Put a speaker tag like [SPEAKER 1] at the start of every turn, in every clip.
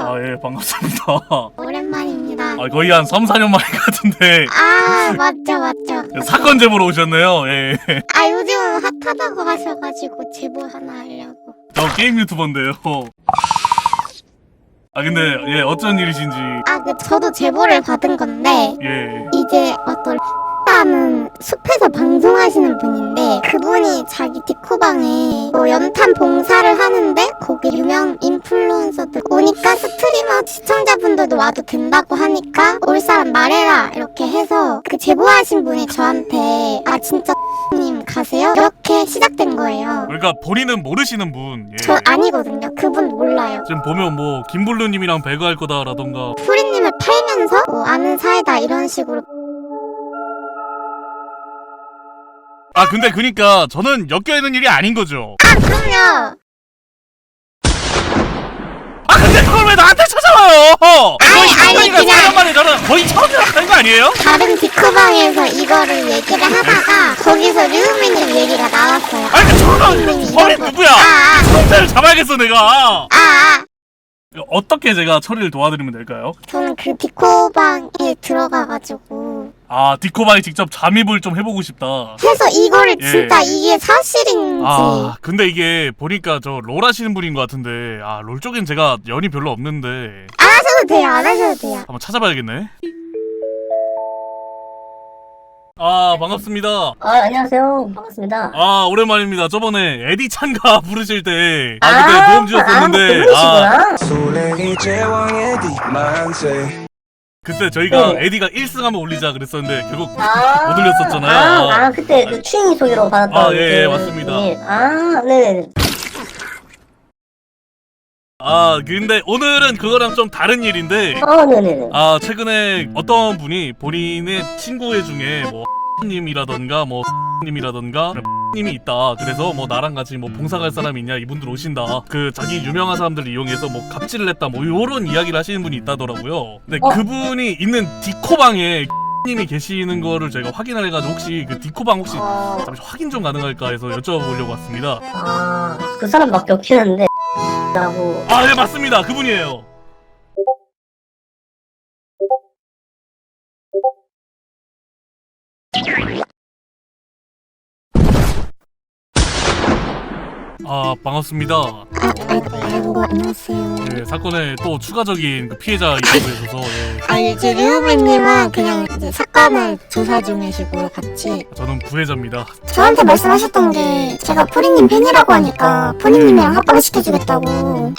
[SPEAKER 1] 아, 예, 반갑습니다.
[SPEAKER 2] 오랜만입니다.
[SPEAKER 1] 거의 한 3, 4년 만인 것 같은데.
[SPEAKER 2] 아, 맞죠.
[SPEAKER 1] 사건 제보로 오셨네요. 예.
[SPEAKER 2] 아, 요즘 핫하다고 하셔가지고 제보 하나 하려고.
[SPEAKER 1] 저 게임 유튜버인데요. 근데, 예, 어쩐 일이신지.
[SPEAKER 2] 저도 제보를 받은 건데,
[SPEAKER 1] 예.
[SPEAKER 2] 이제 어떤 라는 숲에서 방송하시는 분인데, 그분이 자기 디코방에 뭐 연탄 봉사를 하는데, 거기 유명 인플루언서들 오니까 스트리머 시청자분들도 와도 된다고 하니까, 올 사람 말해라. 이렇게 해서, 그 제보하신 분이 저한테, 아, 진짜 님 가세요? 이렇게 시작된 거예요.
[SPEAKER 1] 그러니까 본인은 모르시는 분. 예.
[SPEAKER 2] 저 아니거든요. 그분 몰라요.
[SPEAKER 1] 지금 보면 뭐 김블루님이랑 배그할 거다라던가.
[SPEAKER 2] 프리님을 팔면서 뭐 아는 사이다 이런 식으로.
[SPEAKER 1] 근데 그니까 저는 엮여있는 일이 아닌 거죠.
[SPEAKER 2] 그럼요.
[SPEAKER 1] 근데 그걸 왜 나한테 찾아와요?
[SPEAKER 2] 아니, 그냥
[SPEAKER 1] 4년 만에 저는 거의 처음 연락하는 거 아니에요?
[SPEAKER 2] 다른 디코방에서 이거를 얘기를 하다가 거기서 류미님 얘기가 나왔어요.
[SPEAKER 1] 저는 머리 누구야? 성태를 잡아야겠어 내가. 어떻게 제가 처리를 도와드리면 될까요?
[SPEAKER 2] 저는 그 디코방에 들어가가지고
[SPEAKER 1] 디코방에 직접 잠입을 좀 해보고 싶다.
[SPEAKER 2] 해서 이거를
[SPEAKER 1] 예.
[SPEAKER 2] 진짜 이게 사실인지.
[SPEAKER 1] 근데 이게 보니까 저 롤 하시는 분인 것 같은데 롤 쪽엔 제가 연이 별로 없는데
[SPEAKER 2] 안 하셔도 돼요. 안 하셔도 돼요.
[SPEAKER 1] 한번 찾아봐야겠네. 반갑습니다.
[SPEAKER 3] 안녕하세요. 반갑습니다.
[SPEAKER 1] 오랜만입니다. 저번에 에디 찬가 부르실 때 그때 도움 주셨었는데 그때 저희가
[SPEAKER 3] 네.
[SPEAKER 1] 에디가 1승 한번 올리자 그랬었는데 결국 못 올렸었잖아요.
[SPEAKER 3] 그때 그 추잉이 소개로 받았던.
[SPEAKER 1] 예, 맞습니다.
[SPEAKER 3] 네네.
[SPEAKER 1] 근데 오늘은 그거랑 좀 다른 일인데
[SPEAKER 3] 네네네.
[SPEAKER 1] 최근에 어떤 분이 본인의 친구 중에 뭐 님이라던가 뭐 님이라던가 님이 있다. 그래서 뭐 나랑 같이 뭐 봉사 갈 사람이 있냐, 이분들 오신다. 그 자기 유명한 사람들을 이용해서 뭐 갑질을 했다, 뭐 요런 이야기를 하시는 분이 있다더라고요. 근데 그분이 있는 디코방에 님이 계시는 거를 제가 확인을 해가지고 혹시 그 디코방 혹시 잠시 확인 좀 가능할까 해서 여쭤보려고 왔습니다.
[SPEAKER 3] 그 사람밖에 없긴 한데 라고.
[SPEAKER 1] 네, 맞습니다. 그분이에요. 반갑습니다.
[SPEAKER 2] 아이고, 안녕하세요.
[SPEAKER 1] 네, 사건에 또 추가적인 그 피해자 입장에서
[SPEAKER 2] 이제 류미님은 그냥 이제 사건을 조사 중이시고요, 같이.
[SPEAKER 1] 저는 부회자입니다.
[SPEAKER 2] 저한테 말씀하셨던 게 제가 프리님 팬이라고 하니까 프리님이랑 합방을 시켜주겠다고.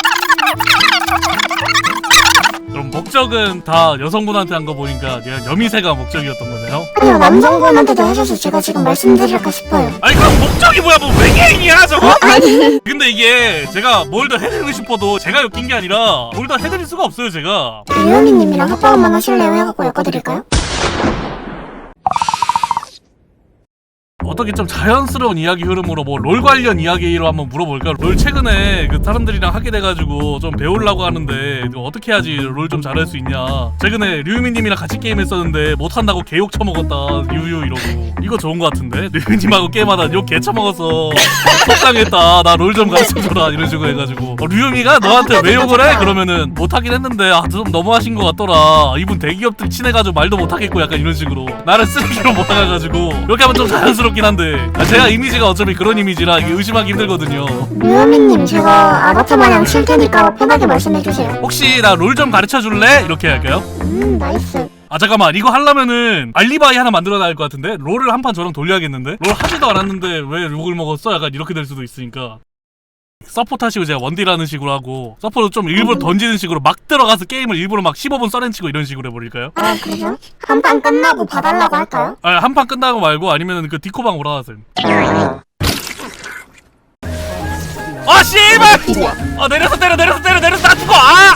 [SPEAKER 1] 그럼 목적은 다 여성분한테 한 거 보니까 그냥 여미새가 목적이었던 거네요?
[SPEAKER 2] 아니요, 남성분한테도 하셔서 제가 지금 말씀드릴까 싶어요.
[SPEAKER 1] 그럼 목적이 뭐야? 뭐 외계인이야 저거?
[SPEAKER 2] 아니.
[SPEAKER 1] 근데 이게 제가 뭘 더 해드리고 싶어도 제가 엮인 게 아니라 뭘 더 해드릴 수가 없어요 제가.
[SPEAKER 2] 류미님이랑 합방 한번 하실래요? 해갖고 엮어드릴까요?
[SPEAKER 1] 어떻게 좀 자연스러운 이야기 흐름으로 뭐 롤 관련 이야기로 한번 물어볼까? 롤 최근에 그 사람들이랑 하게 돼가지고 좀 배우려고 하는데 이거 어떻게 해야지 롤 좀 잘할 수 있냐. 최근에 류미님이랑 같이 게임했었는데 못한다고 개욕 처먹었다 유유 이러고. 이거 좋은 거 같은데? 류미님하고 게임하다 욕 개 처먹었어. 속상했다. 나 롤 좀 가르쳐줘라 이런 식으로 해가지고 류미가 너한테 왜 욕을 해? 그러면은 못하긴 했는데 좀 너무하신 것 같더라. 이분 대기업들 친해가지고 말도 못하겠고 약간 이런 식으로 나를 쓰레기로 몰아가가지고 이렇게 하면 좀 자연스럽긴 한데 제가 이미지가 어차피 그런 이미지라 이게 의심하기 힘들거든요.
[SPEAKER 2] 류미님, 제가 아바타 마냥 칠 테니까 편하게 말씀해주세요.
[SPEAKER 1] 혹시 나 롤 좀 가르쳐줄래? 이렇게 할까요?
[SPEAKER 2] 나이스.
[SPEAKER 1] 잠깐만, 이거 하려면은 알리바이 하나 만들어놔야 할 것 같은데? 롤을 한 판 저랑 돌려야겠는데? 롤 하지도 않았는데 왜 욕을 먹었어? 약간 이렇게 될 수도 있으니까 서포트 하시고 제가 원딜하는 식으로 하고 서포트 좀 일부러 던지는 식으로 막 들어가서 게임을 일부러 막 15분 써렌치고 이런 식으로 해버릴까요?
[SPEAKER 2] 그래요? 한 판 끝나고 봐달라고 할까요?
[SPEAKER 1] 한 판 끝나고 말고 아니면은 그 디코방 오라가세요. 씨발! 내려서 때려 나 죽어!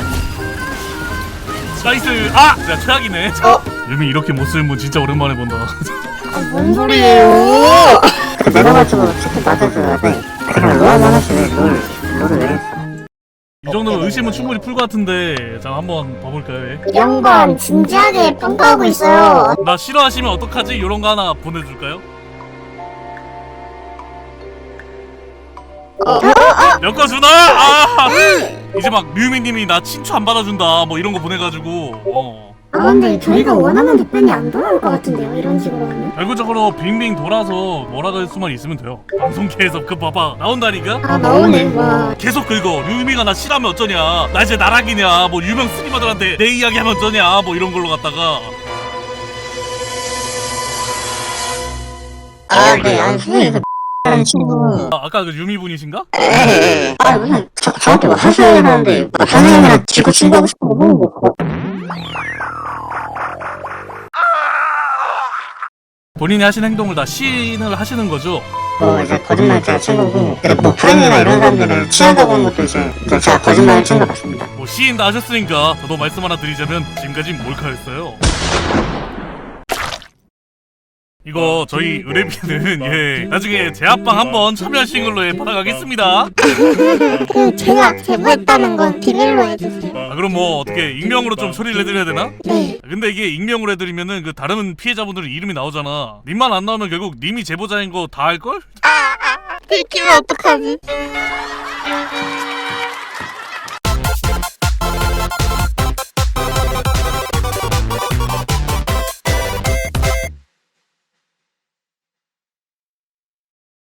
[SPEAKER 1] 나이스! 내가 최악이네. 유미 이렇게 못쓰는 분 진짜 오랜만에 본다.
[SPEAKER 2] 뭔 소리예요? 내려가지고 치킨 맞아줘야 돼. 그냥 롤 하시면 롤을 왜 했어?
[SPEAKER 1] 이 정도면 의심은 충분히 풀 것 같은데 자 한번 봐볼까요?
[SPEAKER 2] 그 양반 진지하게 평가하고 있어요.
[SPEAKER 1] 나 싫어하시면 어떡하지? 이런 거 하나 보내줄까요? 엮어주나? 이제 막 류미님이 나 친추 안 받아준다 뭐 이런 거 보내가지고
[SPEAKER 4] 아 근데 저희가 원하는 답변이 안 돌아올 것 같은데요, 이런 식으로 하면.
[SPEAKER 1] 결국적으로 빙빙 돌아서 뭐라고 할 수만 있으면 돼요. 방송계에서 그 봐봐 나온다니까?
[SPEAKER 4] 아 나오네. 와.
[SPEAKER 1] 계속 긁어. 류미가 나 싫어하면 어쩌냐, 나 이제 나락이냐, 뭐 유명 스트리머들한테 내 이야기 하면 어쩌냐, 뭐 이런 걸로 갖다가.
[SPEAKER 5] 아, 네, 아니, 선생님, 그 친구.
[SPEAKER 1] 아까 그 유미분이신가?
[SPEAKER 5] 아, 무슨, 저한테 뭐 하셔야 하는데, 뭐, 선생님이랑 지구 친구하고 싶은 거 보는 거.
[SPEAKER 1] 본인이 하신 행동을 다 시인을 하시는 거죠?
[SPEAKER 5] 뭐, 이제 거짓말자 친구고, 뭐, 프렌이나 이런 사람들은 취한다고 하는 것도 이제 제가 거짓말을 친것 같습니다.
[SPEAKER 1] 뭐 시인 다 하셨으니까 저도 말씀 하나 드리자면 지금까지 몰카였어요. 이거 저희 의뢰비는 예 나중에 제압방 한번 참여하신 걸로 받아가겠습니다.
[SPEAKER 2] 그 제가 제보했다는 건 비밀로 해주세요.
[SPEAKER 1] 아 그럼 뭐 어떻게 익명으로 좀 처리를 해드려야 되나?
[SPEAKER 2] 네.
[SPEAKER 1] 근데 이게 익명으로 해드리면은 그 다른 피해자분들은 이름이 나오잖아. 님만 안 나오면 결국 님이 제보자인 거 다 알걸?
[SPEAKER 2] 들키면 어떡하지?